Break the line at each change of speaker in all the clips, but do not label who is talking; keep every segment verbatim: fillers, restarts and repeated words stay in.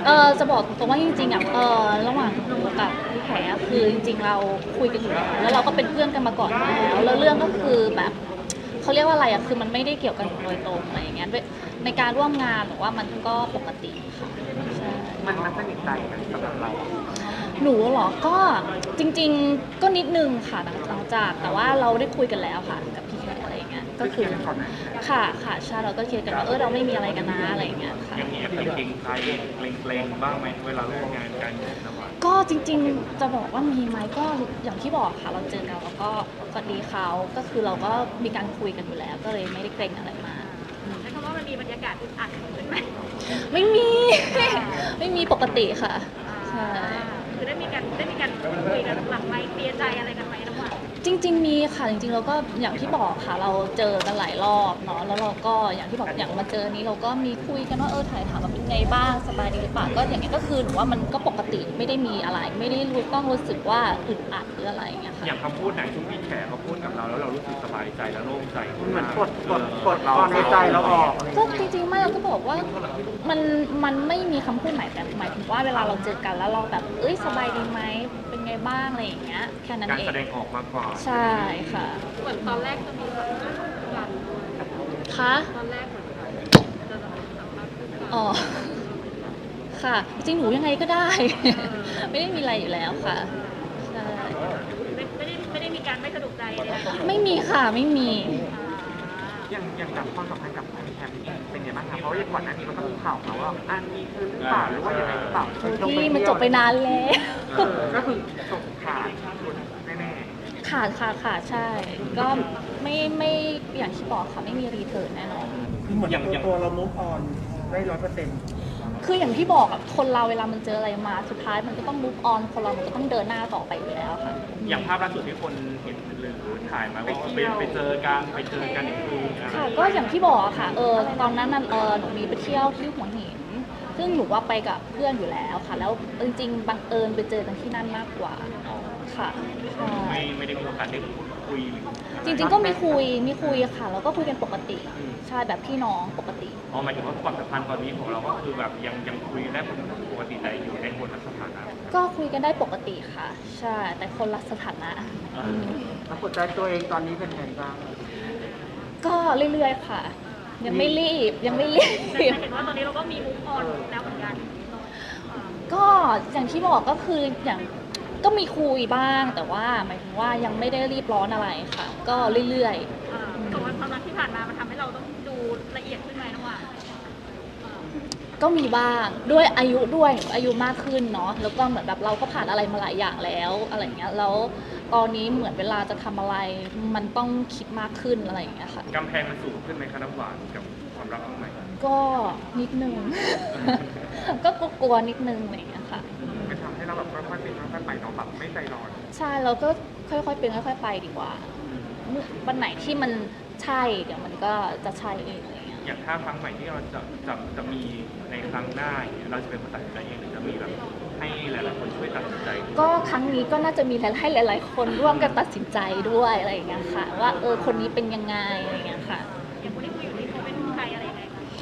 เออจะบอกตรงว่าจริงๆอ่ะเออระหว่างหนูกับพี่แขกคือจริงๆเราคุยกันอยู่แล้วแล้วเราก็เป็นเพื่อนกันมาก่อนแล้วแล้วเรื่องก็คือแบบเขาเรียกว่าอะไรอ่ะคือมันไม่ได้เกี่ยวกันโดยตรงอะไรอย่างเงี้ยในการร่วมงานหรือว่ามันก็ปกติค่ะใช่
มันมันสนิทใจกันสำหรับเรา
หนูเหรอก็จริงๆก็นิดนึงค่ะหลังจากแต่ว่าเราได้คุยกันแล้วค่ะกับพี่แขกอะไรอย่างเงี้ยก็คือค่ะค่ะใช่เราก็เคลียร์กันว่าเออเราไม่มีอะไรกันนะอะไรอย่างเงี้ยค่ะ
อย่างนี้เกรงใจเกรงเกรงบ้างไหมเวลาร่วมงานกันนะว่า
ก็จริงๆจะบอกว่ามีไหมก็อย่างที่บอกค่ะเราเจอกันแล้วก็สวัสดีเขาก็คือเราก็มีการคุยกันอยู่แล้วก็เลยไม่ได้เกรงอะไรมา
ใช้คำว่ามันมีบรรยากาศอึดอัดขึ้นไหม
ไม่มี ไม่มีปกติค่ะใช่
คือได้มีการได้มีการคุยกันหลังไมค์เคลียร์ใจอะไรกันไหมระหว่าง
จริงๆมีค่ะจริงๆเราก็อย่างที่บอกค่ะเราเจอกันหลายรอบเนาะแล้วเราก็อย่างที่บอกอย่างมาเจอนี้เราก็มีคุยกันว่าเออถ่ายถามว่าเป็นไงบ้างสบายดีหรือเปล่าก็อย่างนี้ก็คือหนูว่ามันก็ปกติไม่ได้มีอะไรไม่ได้รู้ต้องรู้สึกว่าอึดอัดหรืออะไรอย่างเงี้ยค่ะ
อย่างคำพูดไหนที่พี่แขกเขาพูดกับเราแล้วเรารู้สึกสบายใจและโล่งใจ
เหมือนกดกดกดความในใจเราออก
ก็จริงๆไม่เราก็บอกว่ามันมันไม่มีคำพูดไหนแต่หมายถึงว่าเวลาเราเจอกันแล้วเราแบบเอ้ยสบายดีไหมเป็นไงบ้างอะไรอย่างเงี้ยแค่นั้นเอง
การแสดงออกมากกว่า
ใช่ค่ะ
เหมือนตอนแรกจะมีแบบกัน
คะ
ตอนแรกเหมือนจะสัมภาษณ์
อ๋อค่ะจริงหนูยังไงก็ได้ ไม่ได้มีอะไรอยู่แล้วค่ะใช่
ไม่ไม่ได้ไม่ได้มีการไม่สะดวกใจเลย
ไม่มีค่ะไม่มี
ยังยังจำความสัมพันธ์กับแคมป์เป็นยังไงบ้างคะเพราะว่าก่อนหน้านี้มันก็มีข่าวมาว่าอันนี้คือหรือเปล่าหรือว่ายังไงหรือเปล่า
ที่มันจบไปนานแล้ว
ก็คือจบขาดแน่
ๆขาดค่ะขาดใช่ก็ไม่ไม่อย่างที่บอกค่ะไม่มีรีเทิร์นแน่นอน
คือเหมือนตัวตัวเรามุกออนได้ร้อยเปอร์เซ็นต์
คืออย่างที่บอกอะคนเราเวลามันเจออะไรมาสุดท้ายมันก็ต้อง move on คนเรามันก็ต้องเดินหน้าต่อไปอยู่แล้วค่ะ
อย่างภาพล่าสุดที่คนเห็นหรือถ่ายมาว่าไปไปเจอกันไปเจอกันอีกที
ค่ะก็อย่างที่บอกอะค่ะเออตอนนั้นน่ะเออหนูมีไปเที่ยวที่หัวหินซึ่งหนูว่าไปกับเพื่อนอยู่แล้วค่ะแล้วจริงๆบังเอิญไปเจอกันที่นั่นมากกว่าค่ะ
ไม่ไม่ได้มีโอกาสได้คุย
จริงๆก็มีคุยมีคุยค่ะแล้วก็คุยกันปกติใช่แบบพี่น้องปกติ
อ๋อหมายถึงว่าความสัมพันธ์ตอนนี้ของเราก็คือแบบยังยังคุยได้ปกติแต่อยู่ในคนละสถานะ
ก็คุยกันได้ปกติค่ะใช่แต่คนละสถานะ
แล้วกดใจตัวเองตอนนี้เป็นไงบ้าง
ก็เรื่อยๆค่ะยังไม่รีบยังไม่รีบ
เห็นว่าตอนนี้เราก็มีมุกออนแล้วเหมือนกัน
ก็อย่างที่บอกก็คืออย่างก็มีคุยบ้างแต่ว่าหมายถึงว่ายังไม่ได้รีบร้อนอะไรค่ะก็เรื่อย
ๆแต่ว่าความรักที่ผ่านมามันทำให้เราต้องดูละเอียดขึ้นไหมน้องว่า
ก็มีบ้างด้วยอายุด้วยอายุมากขึ้นเนาะแล้วก็เหมือนแบบเราก็ผ่านอะไรมาหลายอย่างแล้วอะไรเงี้ยแล้วตอนนี้เหมือนเวลาจะทำอะไรมันต้องคิดมากขึ้นอะไรอย่างเงี้ยค่ะ
กำแพงมันสูงขึ้นไหมคะน้ำหวานกับความรักของใหม่
ก็นิดนึงก็กลัวนิดนึงอะไรอย่างเงี้ยค่ะ
มันทำให้เราแบบค่อยๆเป็นค่อยๆไปเนาะแบบไม่ใจร้อน
ใช่เราก็ค่อยๆเป็นค่อยๆไปดีกว่าวันไหนที่มันใช่เดี๋ยวมันก็จะใช่เองอะไรเงี้ย
อย่างถ้าครั้งใหม่ที่เราจะจะจะมีในครั้งหน้าเราจะเป็นคนตัดสินใจเองหรือจะมีแบบให้หลายๆคนช่วยตัดสินใจ
ก็ครั้งนี้ก็น่าจะมีให้หลายๆคนร่วมกันตัดสินใจด้วยอะไรอย่างเงี้ยค่ะว่าเออคนนี้เป็นยังไงอะไรเงี้ยค่ะ
อย่างคนที่คุยอยู่นี่เขาเป็นใครอะไรยังไงคะ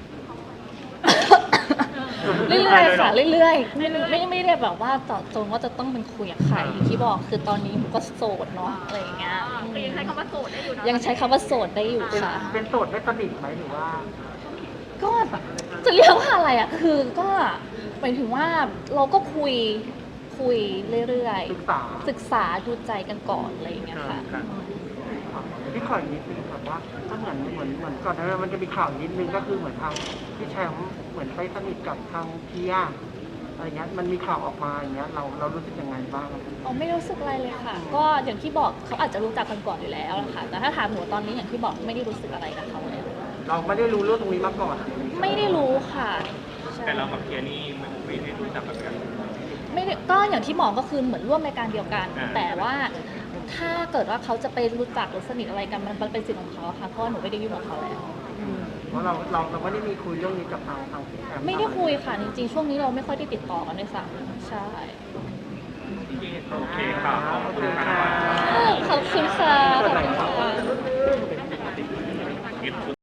เรื่อยๆค่ะเรื่อยๆไม่ไม่ไม่ได้แบบว่าต่อจงว่าจะต้องเป็นคุยกับใครอย่างที่บอกคือตอนนี้มันก็โสดเนาะอะไรอย่างเงี้ย
ยังใช้คำว่าโสดได้อยู่นะ
ยังใช้คำว่าโสดได้อยู่ค่ะ
เป็นโสดไม่สนิทไหมหรือว่า
ก็จะเรียกว่าอะไรอ่ะคือก็หมายถึงว่าเราก็คุยคุยเรื่อยๆศึกษาศึกษาดูใจกันก่อนอะไรอย่างเงี้ยค่ะ
พี่ขออีกนิดนึงครับว่าถ้าเหมือนเหมือนเหมือนก่อนหน้านั้นมันจะมีข่าวนิดนึงก็คือเหมือนทางพี่แชมป์เหมือนไปสนิทกับทางเพียอะไรเงี้ยมันมีข่าวออกมาอย่างเงี้ยเราเรารู้สึกยังไงบ้าง
อ๋อไม่รู้สึกอะไรเลยค่ะก็อย่างที่บอกเขาอาจจะรู้จักกันก่อนอยู่แล้วนะคะแต่ถ้าถามหนูตอนนี้อย่างที่บอกไม่ได้รู้สึกอะไรกับเขาเลย
เราไม่ได้รู้เรื่องตรงนี้มาก่อน
ไม่ได้รู้ค่ะ
แต่เรากับเพียนี่ไม่ได้รู้จักกัน
ไม่ได้ก็อย่างที่บอกก็คือเหมือนร่วมรายการเดียวกันแต่ว่าถ้าเกิดว่าเขาจะไปรู้จักหรือสนิทอะไรกันมันเป็นสิทธิ์ของเขาค่ะเพราะหนูไม่ได้ยุ่งกับเขาแล้ว
เพราะเราเราเราไม่ได้มีคุยเรื่องนี้กับทางทางพี่แอม
ไม่ได้คุยค่ะจริงๆช่วงนี้เราไม่ค่อยได้ติดต่อกันด้วยซ้ำใช่
โอเคค่ะขอบคุณค่ะ
ขอบคุณค่ะขอบคุณค่ะ